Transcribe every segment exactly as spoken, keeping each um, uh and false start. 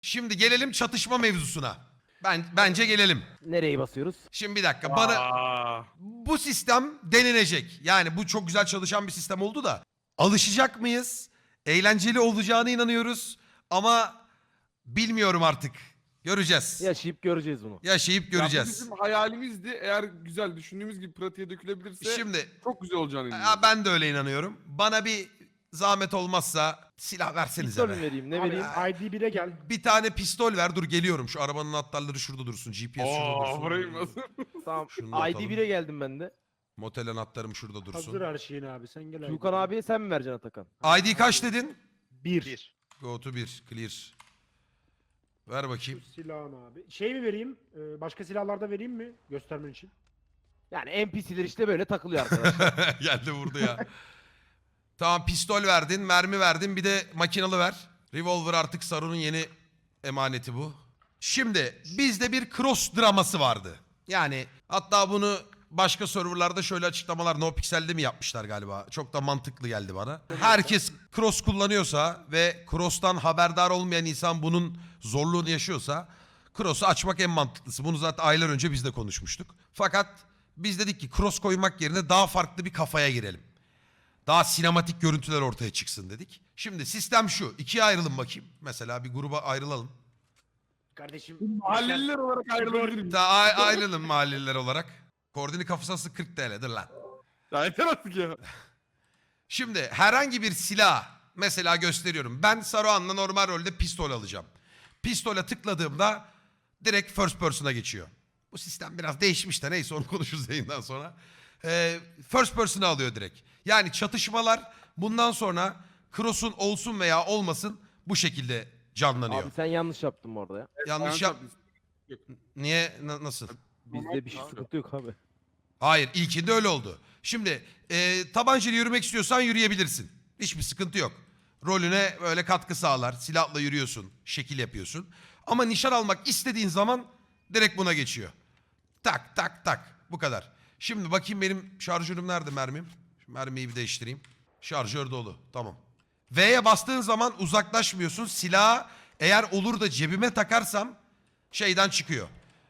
Şimdi gelelim çatışma mevzusuna. Ben bence gelelim. Nereyi basıyoruz? Şimdi bir dakika bana Aa, bu sistem denenecek. Yani bu çok güzel çalışan bir sistem oldu da alışacak mıyız? Eğlenceli olacağına inanıyoruz ama bilmiyorum artık. Göreceğiz. Yaşayıp göreceğiz bunu. Yaşayıp ya bu göreceğiz. bizim hayalimizdi. Eğer güzel düşündüğümüz gibi pratiğe dökülebilirse Şimdi çok güzel olacağını ya inanıyorum. ben de öyle inanıyorum. Bana bir zahmet olmazsa silah versenize Pistol mü be. vereyim ne Abi, vereyim? I D bire gel. Bir tane pistol ver, dur geliyorum. Şu arabanın anahtarları şurada dursun. G P S şurada Oo, dursun. burayı nasıl? Tamam. Şunu da I atalım. D bire geldim ben de. Motel anahtarım şurada dursun. Hazır her şeyin abi sen gel. Tuğkan abiye sen mi vereceksin Atakan? I D kaç dedin? Bir. Bir. Go to bir. Clear. Ver bakayım. Şu silahını abi. Şey mi vereyim? Ee, başka silahlarda vereyim mi? Göstermen için. Yani N P C'ler işte böyle takılıyor arkadaşlar. Geldi vurdu ya. Tamam pistol verdin, mermi verdin, bir de makinalı ver. Revolver artık Saru'nun yeni emaneti bu. Şimdi bizde bir cross draması vardı. Yani hatta bunu başka serverlarda şöyle açıklamalar NoPixel'de mi yapmışlar galiba. Çok da mantıklı geldi bana. Herkes cross kullanıyorsa ve cross'tan haberdar olmayan insan bunun zorluğunu yaşıyorsa cross'u açmak en mantıklısı. Bunu zaten aylar önce biz de konuşmuştuk. Fakat biz dedik ki cross koymak yerine daha farklı bir kafaya girelim. Daha sinematik görüntüler ortaya çıksın dedik. Şimdi sistem şu. İkiye ayrılın bakayım. Mesela bir gruba ayrılalım. Kardeşim. Mahalleliler olarak ayrılabilir miyiz? Daha ay- ayrılın mahalleler olarak. Koordini kafasası kırk T L'dir lan. Ya yeter artık ya. Şimdi herhangi bir silah mesela gösteriyorum. Ben Saruhan'la normal rolde pistol alacağım. Pistola tıkladığımda direkt first person'a geçiyor. Bu sistem biraz değişmiş de neyse onu konuşuruz yayından sonra. Ee, first person'a alıyor direkt. Yani çatışmalar bundan sonra cross'un olsun veya olmasın bu şekilde canlanıyor. Abi sen yanlış yaptın orada ya. Yanlış yap... Niye? Na- nasıl? Bizde bir şey sıkıntı yok abi. Hayır, ilkinde öyle oldu. Şimdi e, tabancayla yürümek istiyorsan yürüyebilirsin. Hiçbir sıkıntı yok. Rolüne böyle katkı sağlar. Silahla yürüyorsun, şekil yapıyorsun. Ama nişan almak istediğin zaman direkt buna geçiyor. Tak tak tak. Bu kadar. Şimdi bakayım benim şarjörüm nerede mermim? Şu mermiyi bir değiştireyim. Şarjör dolu. Tamam. V'ye bastığın zaman uzaklaşmıyorsun. Silahı eğer olur da cebime takarsam şeyden çıkıyor.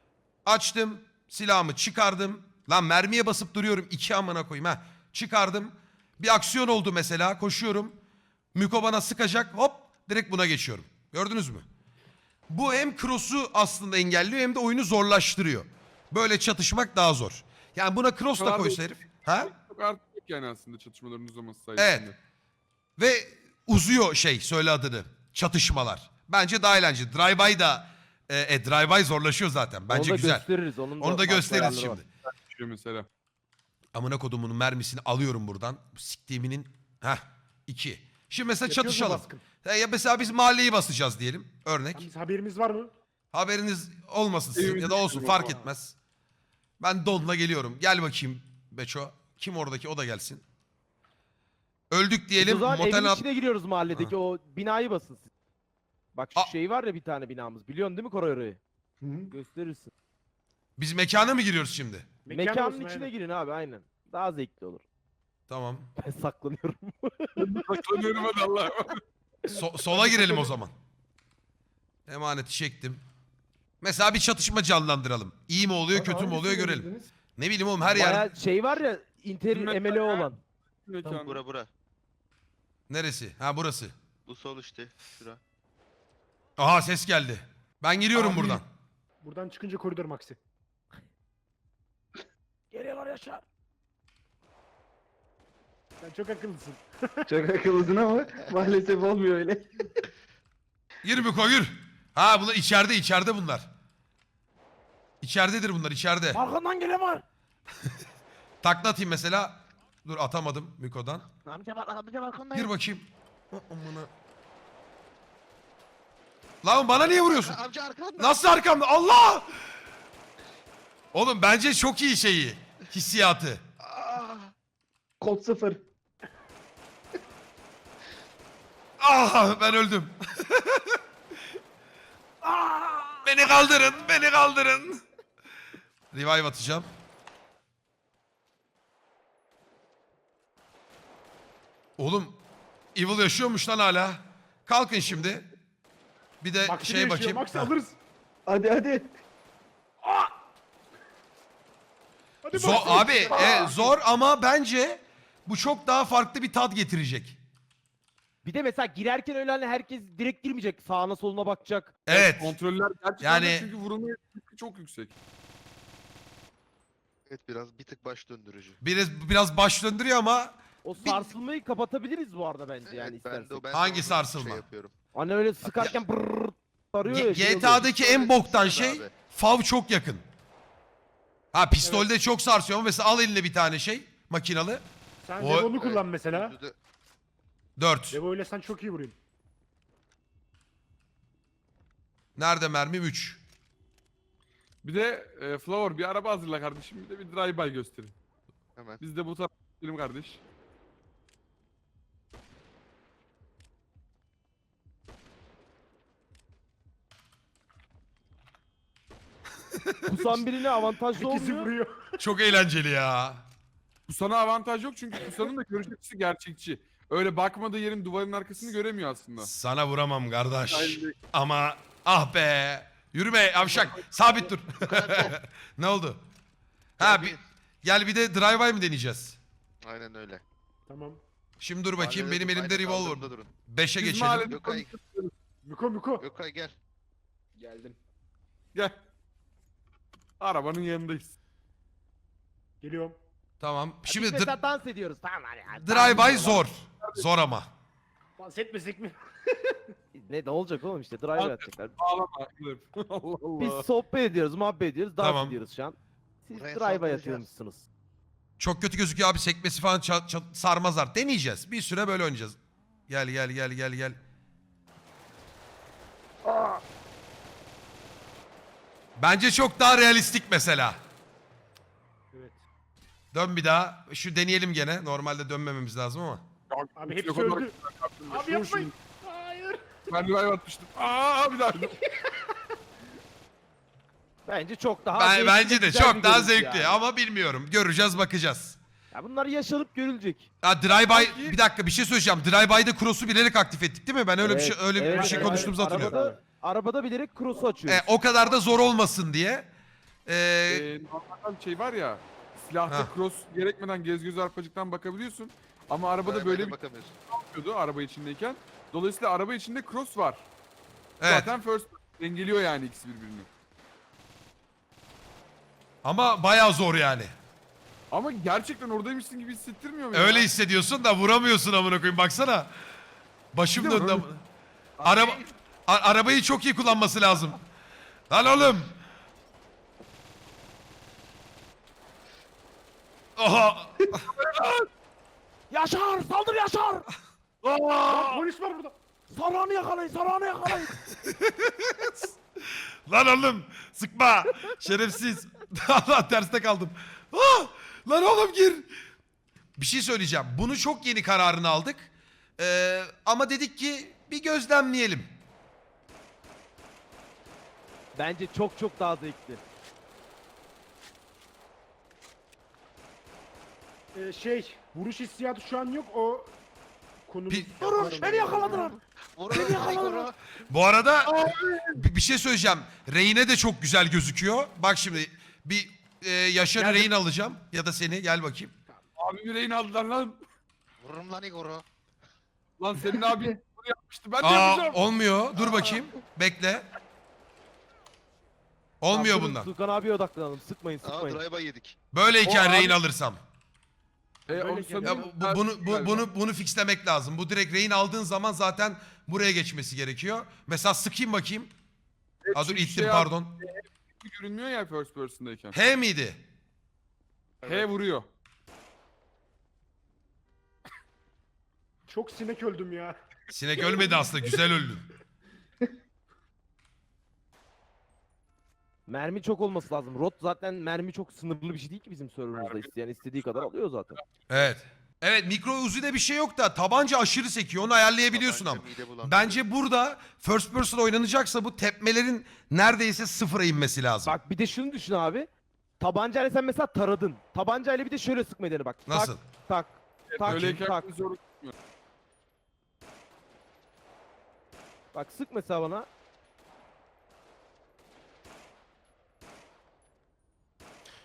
Açtım. Silahımı çıkardım. Lan mermiye basıp duruyorum. İki amına koyayım ha. Çıkardım. Bir aksiyon oldu mesela. Koşuyorum. Miko bana sıkacak. Hop. Direkt buna geçiyorum. Gördünüz mü? Bu hem cross'u aslında engelliyor hem de oyunu zorlaştırıyor. Böyle çatışmak daha zor. Yani buna cross da Kadar koysa da- herif. Ha? Çok artık yok yani aslında çatışmaların uzaması sayesinde. Evet. Ve uzuyor şey söyle adını. Çatışmalar. Bence daha eğlenceli. Drive-by da e, e, drive-by zorlaşıyor zaten. Bence Onu da güzel. gösteririz. Onun Onu da farklı gösteririz ayarları var. şimdi. Düşüyor mesela. Amına kodumunun mermisini alıyorum buradan. Siktiğiminin. Heh. iki. Şimdi mesela Yapıyoruz mu çatışalım. baskın? Ya ya mesela biz mahalleyi basacağız diyelim. Örnek. Biz haberimiz var mı? Haberiniz olmasın sizin Evimizi ya da olsun düşürüyor fark falan. etmez. Ben Don'la geliyorum. Gel bakayım Beço. Kim oradaki o da gelsin. Öldük Biz diyelim. o zaman Motel evin at- içine giriyoruz mahalledeki o binayı basın siz. Bak şu A- şey var ya bir tane binamız. Biliyorsun değil mi Koray orayı? Hı hı. Gösterirsin. Biz mekana mı giriyoruz şimdi? Mekan Mekanın olsun, içine aynen. girin abi aynen. Daha zevkli olur. Tamam. Ben saklanıyorum. Saklanıyorum hadi Allah'a emanet. So- sola girelim o zaman. Emaneti çektim. Mesela bir çatışma canlandıralım. İyi mi oluyor, kötü mü oluyor görelim. Ne bileyim oğlum her yer. Baya şey var ya inter Mekan M L O ya. olan. Mekan. Bura bura. Neresi? Ha burası. Bu sol işte. Şura. Aha ses geldi. Ben giriyorum Abi. buradan. Buradan çıkınca koridor maxi. Geliyorlar Yaşar. Sen çok akıllısın. Çok akıllısın ama maalesef olmuyor öyle. Gir bir koy gir. Ha bunlar içeride içeride bunlar. İçeridedir bunlar içeride. Arkandan gelen var. Takla atayım mesela. Dur atamadım Miko'dan. Amca bak amca balkondayım. Gir bakayım. Ha, amına. Lan bana niye vuruyorsun? Amca arkanda. Nasıl arkamda? Allah! Oğlum bence çok iyi şeyi. Hissiyatı. Kod sıfır. Ah ben öldüm. Beni kaldırın, beni kaldırın. Revive atacağım. Oğlum Evil yaşıyormuş lan hala. Kalkın şimdi. Bir de Max'i şey yaşıyor, bakayım. Max'i Heh. alırız. Hadi hadi. Hadi Zor, Max'i. abi e, zor ama bence bu çok daha farklı bir tat getirecek. Bir de mesela girerken öyle hani herkes direkt girmeyecek. Sağına soluna bakacak. Evet. Kontroller gerçekten Yani- de çünkü vurulma riski çok yüksek. Evet biraz bir tık baş döndürücü. Biraz biraz baş döndürüyor ama O sarsılmayı kapatabiliriz bu arada bence yani Evet, ben istersen. de, o- ben de Hangi onu sarsılma? Şey yapıyorum. Hani öyle sıkarken brrrr sarıyor ya. G- şey oluyor. GTA'daki en Öyle boktan düşünsene şey abi. fav çok yakın. Ha pistolde çok sarsıyor ama mesela al eline bir tane şey makinalı. Sen O- Devo'nu kullan Evet, mesela. yüzde de- dört. Devo ile sen çok iyi vuruyorsun. Nerede mermim? üç. Bir de e, Flower bir araba hazırla kardeşim. Bir de bir drive-by gösterin. Hemen. Biz de bu tarafa gidelim kardeş. Kusan birine avantajlı İkisi olmuyor. vuruyor. Çok eğlenceli ya. Kusan'a avantaj yok çünkü Kusan'ın da görüş açısı gerçekçi. Öyle bakmadığı yerin duvarın arkasını göremiyor aslında. Sana vuramam kardeş. Aynen. Ama ah be. Yürüme yavşak. Sabit dur. Ne oldu? Ha Gel bir, bir- gel bir de drive-by mi deneyeceğiz? Aynen öyle. Tamam. Şimdi dur bakayım Mahallede benim dur, elimde aynen revolver. kaldırımda durun. beşe Biz geçelim. mahallede Gökay. konuşuyoruz. Miko Miko. Gökay gel. Geldim. Gel. Arabanın yanındayız. Geliyorum. Tamam. Biz Şimdi mesela dr- dans ediyoruz tamam hani. yani. drive-by zor. Zor ama. Dans etmesek mi? Ne, ne olacak oğlum işte drive Abi- atacaklar. Ağlama. Dur. Allah Allah. Biz sohbet ediyoruz, muhabbet ediyoruz, dans Tamam. ediyoruz şu an. Siz Buraya drive'a saldıracağız. yatıyormuşsunuz. Çok kötü gözüküyor abi sekmesi falan ça- ça- sarmazlar. Deneyeceğiz. Bir süre böyle oynayacağız. Gel gel gel gel gel. Bence çok daha realistik mesela. Evet. Dön bir daha. Şu deneyelim gene. Normalde dönmememiz lazım ama. Abi hepsi Yok, onlar- öldü. Abi Şunu, yapmayın. şunu. Hayır. Ben drive atmıştım. Aa bir daha. Bence çok daha Ben, zevkli, bence de güzel çok bir daha görüntü zevkli yani. ama bilmiyorum. Göreceğiz bakacağız. Ya bunlar yaşanıp görülecek. Ha drive-by Sanki- bir dakika bir şey söyleyeceğim. Drive-by'de cross'u bilerek aktif ettik değil mi? Ben öyle bir Evet, şey öyle evet, bir şey evet. konuştuğumuzu hatırlıyorum. Arabada, arabada bilerek cross'u açıyoruz. E, o kadar da zor olmasın diye. Ee, Ee, normalde bir şey var ya. Silahta Ha. cross gerekmeden gez göz arpacıktan bakabiliyorsun. Ama arabada Drive-by'de böyle bir bakamıyorsun. şey yapıyordu araba içindeyken. Dolayısıyla araba içinde cross var. evet. Zaten first dengeliyor yani ikisi birbirini. Ama bayağı zor yani. Ama gerçekten oradaymışsın gibi hissettirmiyor mu ya? Öyle hissediyorsun da vuramıyorsun amına koyayım baksana. Başım Bir de döndü. böyle- am- Araba a- arabayı çok iyi kullanması lazım. Lan oğlum. Oha. Yaşar! Saldır Yaşar! Lan polis var burada. Sarağını yakalayın, sarağını yakalayın. Lan oğlum sıkma. Şerefsiz. Allah terste kaldım. Ah! Lan oğlum gir. Bir şey söyleyeceğim. Bunu çok yeni kararını aldık. Ee, ama dedik ki bir gözlemleyelim. Bence çok çok daha zevkli. Ee, şey, vuruş hissiyatı şu an yok. O konumuz. Bir- Durun, beni yakaladılar. Vur onu, vur onu. Bu arada bir bir şey söyleyeceğim. Reyne de çok güzel gözüküyor. Bak şimdi bir e, Yaşar'ı Nerede? rehin alacağım. Ya da seni gel bakayım. Abi yüreğini aldılar lan. Vururum lan Igor'u. Lan senin abin bunu yapmıştı. Ben de Aa, yapacağım. olmuyor. Dur bakayım. Bekle. Olmuyor Tamam, durun, bundan. Sulkan abiye odaklanalım. Sıkmayın, Aa sıkmayın. drive-by yedik. Böyleyken O rehin abi- alırsam. E, Böyle o gel- Ya sanırım bu, bu- bunu bu- galiba. bunu bunu fixlemek lazım. Bu direkt rehin aldığın zaman zaten buraya geçmesi gerekiyor. Mesela sıkayım bakayım. Evet, Aa, dur çünkü ittim şey pardon. abi, görünmüyor ya first person'dayken. H miydi? H vuruyor. Çok sinek öldüm ya. Sinek ölmedi aslında. Güzel öldün. Mermi çok olması lazım. Rot zaten mermi çok sınırlı bir şey değil ki bizim serverımızda. İsteyen istediği kadar alıyor zaten. Evet. Evet mikro Uzi'de bir şey yok da tabanca aşırı sekiyor. Onu ayarlayabiliyorsun ama. Tabanca mide bulandırıyor. Bence burada first person oynanacaksa bu tepmelerin neredeyse sıfıra inmesi lazım. Bak bir de şunu düşün abi. Tabancayla sen mesela taradın. Tabancayla bir de şöyle sıkmayı dene bak. Nasıl? Tak, tak, tak, Öyleyken tak. zor. Bak sık mesela bana.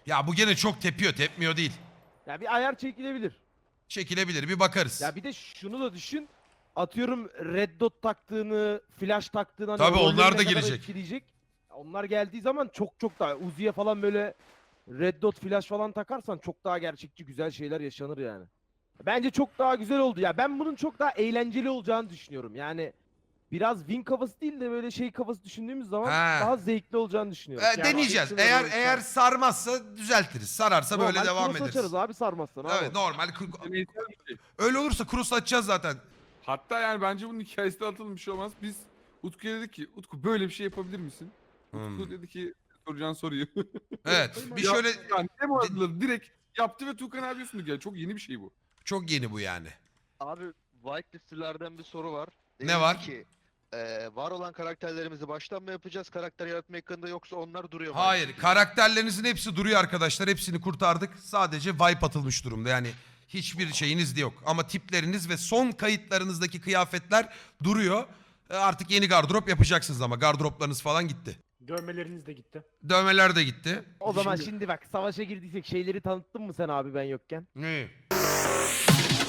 Ya bu gene çok tepiyor, tepmiyor değil. Ya bir ayar çekilebilir. Çekilebilir, bir bakarız. Ya bir de şunu da düşün. Atıyorum red dot taktığını, flash taktığını hani Tabii, rolleri onlar ne da kadar gelecek. etkileyecek. Onlar geldiği zaman çok çok daha Uzi'ye falan böyle red dot flash falan takarsan çok daha gerçekçi güzel şeyler yaşanır yani. Bence çok daha güzel oldu ya. Ben bunun çok daha eğlenceli olacağını düşünüyorum. Yani biraz win kafası değil de böyle şey kafası düşündüğümüz zaman Ha. daha zevkli olacağını düşünüyorum. Ee, deneyeceğiz. action Eğer olarak eğer da- sarmazsa düzeltiriz. Sararsa böyle Normal devam cross ederiz. açarız abi sarmazsan abi. Evet, normal. Deneysel bir şey. Öyle olursa cross açacağız zaten. Hatta yani bence bunun hikayesi de atılmış bir şey olmaz. Biz Utku'ya dedik ki Utku böyle bir şey yapabilir misin? Utku Hmm. dedi ki soracağın soruyu. Evet. Bir Ya- şöyle Yani demo adları direkt yaptı ve Tuğkan abi üstündü. Yani çok yeni bir şey bu. çok yeni bu yani. Abi whitelistlerden bir soru var. Ne Denildi var? Ki, e, var olan karakterlerimizi baştan mı yapacağız karakter yaratma ekranında yoksa onlar duruyor mu? Hayır, aynı karakterlerinizin hepsi duruyor arkadaşlar. Hepsini kurtardık. Sadece wipe atılmış durumda. Yani hiçbir şeyiniz de yok. Ama tipleriniz ve son kayıtlarınızdaki kıyafetler duruyor. E, Artık yeni gardırop yapacaksınız ama gardıroplarınız falan gitti. Dövmeleriniz de gitti. Dövmeler de gitti. O zaman Şimdi- şimdi bak savaşa girdiysek şeyleri tanıttın mı sen abi ben yokken? Ne?